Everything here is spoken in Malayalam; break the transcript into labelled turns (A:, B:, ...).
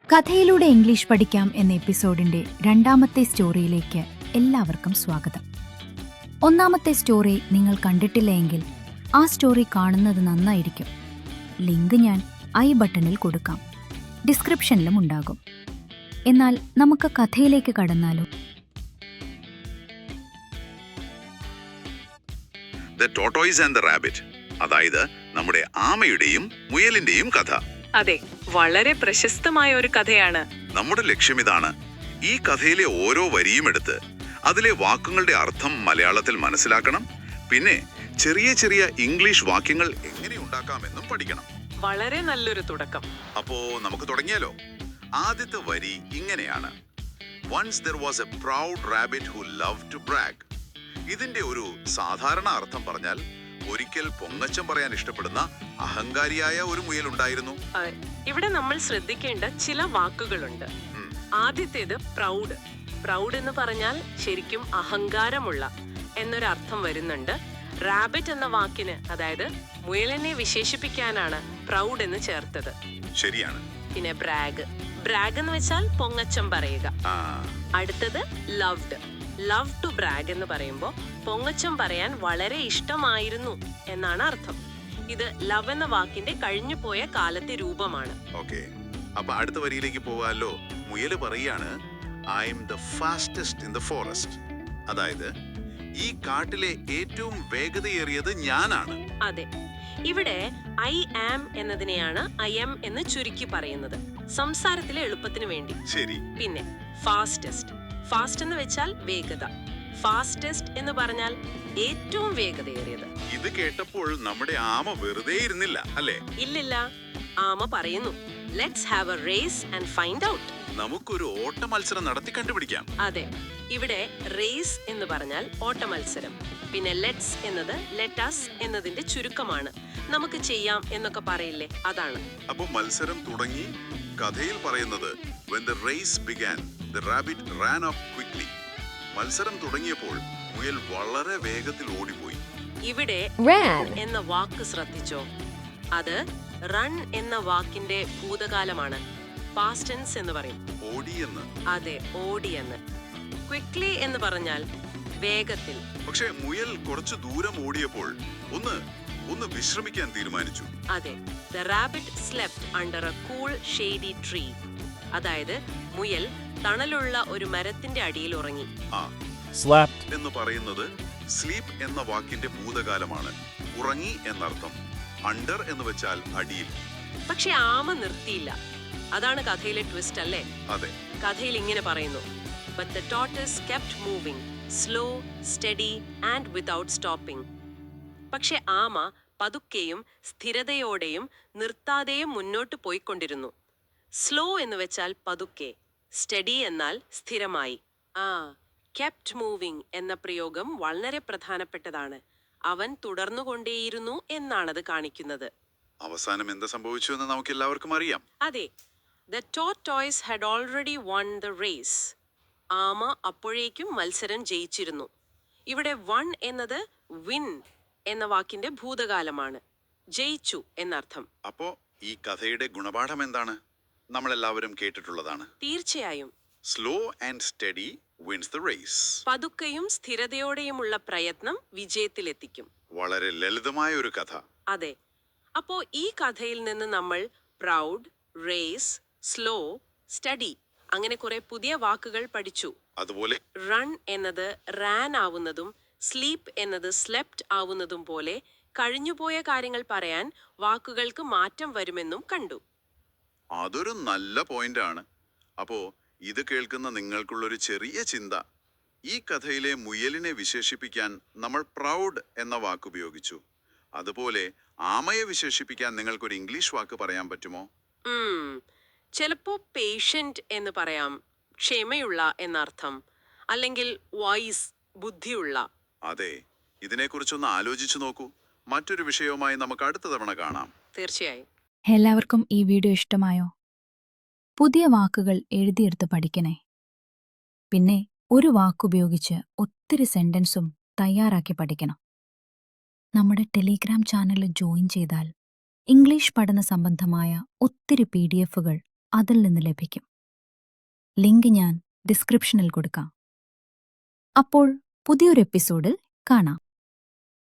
A: കഥയിലൂടെ ഇംഗ്ലീഷ് പഠിക്കാം എന്ന എപ്പിസോഡിന്റെ രണ്ടാമത്തെ സ്റ്റോറിയിലേക്ക് എല്ലാവർക്കും സ്വാഗതം. ഒന്നാമത്തെ സ്റ്റോറി നിങ്ങൾ കണ്ടിട്ടില്ല എങ്കിൽ ആ സ്റ്റോറി കാണുന്നത് നന്നായിരിക്കും. ലിങ്ക് ഞാൻ ഐ ബട്ടണിൽ കൊടുക്കാം, ഡിസ്ക്രിപ്ഷനിലും ഉണ്ടാകും. എന്നാൽ നമുക്ക് കഥയിലേക്ക് കടന്നാലോ?
B: The tortoise and the rabbit, അതായത് നമ്മുടെ ആമയുടെയും മുയലിന്റെയും കഥ.
C: അതെ, വളരെ പ്രശസ്തമായ ഒരു കഥയാണ്.
B: നമ്മുടെ ലക്ഷ്യം ഇതാണ്: ഈ കഥയിലെ ഓരോ വരിയും എടുത്ത് അതിലെ വാക്കുകളുടെ അർത്ഥം മലയാളത്തിൽ മനസ്സിലാക്കണം. പിന്നെ ചെറിയ ചെറിയ ഇംഗ്ലീഷ് വാക്യങ്ങൾ എങ്ങനെ ഉണ്ടാക്കാമെന്നും പഠിക്കണം.
C: വളരെ നല്ലൊരു തുടക്കം.
B: അപ്പോ നമുക്ക് തുടങ്ങിയാലോ? ആദ്യത്തെ വരി ഇങ്ങനെയാണ്: Once there was a proud rabbit who loved to brag. ഇതിന്റെ ഒരു സാധാരണ അർത്ഥം പറഞ്ഞാൽ ഒരിക്കൽ പൊങ്ങച്ചം പറയാൻ ഇഷ്ടപ്പെടുന്ന അഹങ്കാരിയായ ഒരു മുയൽ ഉണ്ടായിരുന്നു.
C: ഇവിടെ നമ്മൾ ശ്രദ്ധിക്കേണ്ട ചില വാക്കുകളുണ്ട്. ആദ്യത്തേത് പ്രൗഡ്. പ്രൗഡ് എന്ന് പറഞ്ഞാൽ ശരിക്കും അഹങ്കാരമുള്ള എന്നൊരർത്ഥം വരുന്നുണ്ട്. റാബിറ്റ് എന്ന വാക്കിന്, അതായത് മുയലിനെ വിശേഷിപ്പിക്കാനാണ് പ്രൗഡ് എന്ന് ചേർത്തത്.
B: ശരിയാണ്.
C: പിന്നെ ബ്രാഗ്. ബ്രാഗ് എന്ന് വെച്ചാൽ പൊങ്ങച്ചം പറയുക. അടുത്തത് ലവ്ഡ്. ലവ് ടു ബ്രാഗ് എന്ന് പറയുമ്പോൾ പൊങ്ങച്ചം പറയാൻ വളരെ ഇഷ്ടമായിരുന്നു എന്നാണ് അർത്ഥം. ഇത് ലവ് എന്ന വാക്കിന്റെ കഴിഞ്ഞുപോയ കാലത്തെ രൂപമാണ്.
B: ഓക്കേ, അപ്പൊ അടുത്ത വരിയിലേക്ക് പോവാലോ? മുയല് പറയാണ്, I'm the fastest in the forest. അതായത് ഈ കാട്ടിലെ ഏറ്റവും വേഗതയേറിയത് ഞാനാണ്.
C: അതെ, ഇവിടെ ഐ ആം എന്നതിനെയാണ് ഐ എം എന്ന് ചുരുക്കി പറയുന്നത്, സംസാരത്തിലെ എളുപ്പത്തിന് വേണ്ടി.
B: ശരി.
C: പിന്നെ ഫാസ്റ്റസ്റ്റ്. ഫാസ്റ്റ് എന്ന് വെച്ചാൽ വേഗത. ഫാസ്റ്റസ്റ്റ് എന്ന് പറഞ്ഞാൽ ഏറ്റവും വേഗതയേറിയത്.
B: ഇത് കേട്ടപ്പോൾ നമ്മുടെ ആമ വെറുതെ ഇരുന്നില്ല, അല്ലേ?
C: ഇല്ലില്ല, ആമ പറയുന്നു, let's have a race and find out.
B: നമുക്കൊരു ഓട്ട മത്സരം നടത്തി കണ്ടുപിടിക്കാം.
C: അതെ, ഇവിടെ റേസ് എന്ന് പറഞ്ഞാൽ ഓട്ട മത്സരം. പിന്നെ ലെറ്റ്സ് എന്നത് ലെറ്റസ് എന്നതിന്റെ ചുരുക്കമാണ്. നമുക്ക് ചെയ്യാം എന്നൊക്കെ പറയില്ലേ, അതാണ്.
B: അപ്പൊ മത്സരം തുടങ്ങി. കഥയിൽ പറയുന്നത് when the race began, the rabbit ran up quickly. മത്സരം തുടങ്ങിയപ്പോൾ മുയൽ വളരെ വേഗത്തിൽ ഓടിപ്പോയി.
C: ഇവിടെ run എന്ന വാക്ക് ശ്രദ്ധിച്ചോ? അത് റൺ എന്ന വാക്കിന്റെ ഭൂതകാലമാണ്. പാസ്റ്റ് ടെൻസ് എന്ന് പറയും.
B: ഓടിയെന്ന്.
C: അതെ, ഓടിയെന്ന്. ക്വിക്ലി എന്ന് പറഞ്ഞാൽ വേഗത്തിൽ.
B: പക്ഷേ മുയൽ കുറച്ചു ദൂരം ഓടിയപ്പോൾ ഒന്ന് വിശ്രമിക്കാൻ തീരുമാനിച്ചു.
C: അതെ, the rabbit slept under a cool shady tree. അതായത് മുയൽ തണലുള്ള ഒരു മരത്തിന്റെ അടിയിൽ ഉറങ്ങി.
B: Slept എന്ന് പറയുന്നത് സ്ലീപ്പ് എന്ന വാക്കിന്റെ ഭൂതകാലമാണ്. ഉറങ്ങി എന്നർത്ഥം. അണ്ടർ എന്ന് വെച്ചാൽ അടിയിൽ.
C: പക്ഷെ ആമ നിർത്തിയില്ല. അതാണ് കഥയിലെ ട്വിസ്റ്റ്, അല്ലേ?
B: അതെ.
C: കഥയിൽ ഇങ്ങനെ പറയുന്നു, but the tortoise kept moving, slow, steady and without stopping. പക്ഷെ ആമ പതുക്കെയും സ്ഥിരതയോടെയും നിർത്താതെയും മുന്നോട്ട് പോയിക്കൊണ്ടിരുന്നു. സ്ലോ എന്ന് വെച്ചാൽ പതുക്കെ, സ്റ്റഡി എന്നാൽ സ്ഥിരമായി. കെപ്റ്റ് മൂവിംഗ് എന്ന പ്രയോഗം വളരെ പ്രധാനപ്പെട്ടതാണ്. അവൻ തുടർന്നുകൊണ്ടേയിരുന്നു എന്നാണത് കാണിക്കുന്നത്.
B: അവസാനം എന്ത് സംഭവിച്ചു എന്ന് നമുക്ക് എല്ലാവർക്കും അറിയാം.
C: അതെ, the tortoise had already won the race. ആമ അപ്പോഴേക്കും മത്സരം ജയിച്ചിരുന്നു. ഇവിടെ വൺ എന്നത് വിൻ എന്ന വാക്കിന്റെ ഭൂതകാലമാണ്. ജയിച്ചു എന്നർത്ഥം.
B: അപ്പോ ഈ കഥയുടെ ഗുണപാഠം എന്താണ്? നമ്മളെല്ലാവരും കേട്ടിട്ടുള്ളതാണ്.
C: തീർച്ചയായും.
B: Slow and steady wins the race.
C: പതുക്കെയും സ്ഥിരതയോടെയുമുള്ള പ്രയത്നം വിജയത്തിലെത്തിക്കും.
B: വളരെ ലളിതമായ ഒരു കഥ.
C: അതെ. അപ്പോ ഈ കഥയിൽ നിന്ന് നമ്മൾ പ്രൗഡ്, റേസ്, സ്ലോ, സ്റ്റഡി അങ്ങനെ കുറെ പുതിയ വാക്കുകൾ പഠിച്ചു.
B: അതുപോലെ
C: റൺ എന്നത് റാൻ ആവുന്നതും സ്ലീപ്പ് എന്നത് സ്ലെപ്റ്റ് ആവുന്നതും പോലെ കഴിഞ്ഞുപോയ കാര്യങ്ങൾ പറയാൻ വാക്കുകൾക്ക് മാറ്റം വരുമെന്നും കണ്ടു.
B: അതൊരു നല്ല പോയിന്റ് ആണ്. അപ്പോ ഇത് കേൾക്കുന്ന നിങ്ങൾക്കുള്ളൊരു ചെറിയ ചിന്ത: ഈ കഥയിലെ മുയലിനെ വിശേഷിപ്പിക്കാൻ നമ്മൾ പ്രൗഡ് എന്ന വാക്ക് ഉപയോഗിച്ചു. അതുപോലെ ആമയെ വിശേഷിപ്പിക്കാൻ നിങ്ങൾക്കൊരു ഇംഗ്ലീഷ് വാക്ക് പറയാൻ പറ്റുമോ?
C: ചിലപ്പോ പേഷ്യന്റ് എന്ന് പറയാം, ക്ഷമയുള്ള എന്നർത്ഥം, അല്ലെങ്കിൽ വൈസ്, ബുദ്ധിയുള്ള.
B: അതെ, ഇതിനെക്കുറിച്ചൊന്ന് ആലോചിച്ചു നോക്കൂ. മറ്റൊരു വിഷയവുമായി നമുക്ക് അടുത്ത തവണ കാണാം.
C: തീർച്ചയായും.
A: എല്ലാവർക്കും ഈ വീഡിയോ ഇഷ്ടമായോ? പുതിയ വാക്കുകൾ എഴുതിയെടുത്ത് പഠിക്കണേ. പിന്നെ ഒരു വാക്കുപയോഗിച്ച് ഒത്തിരി സെന്റൻസും തയ്യാറാക്കി പഠിക്കണം. നമ്മുടെ ടെലിഗ്രാം ചാനലിൽ ജോയിൻ ചെയ്താൽ ഇംഗ്ലീഷ് പഠന സംബന്ധമായ ഒത്തിരി PDF-കൾ അതിൽ നിന്ന് ലഭിക്കും. ലിങ്ക് ഞാൻ ഡിസ്ക്രിപ്ഷനിൽ കൊടുക്കാം. അപ്പോൾ പുതിയൊരു എപ്പിസോഡിൽ കാണാം.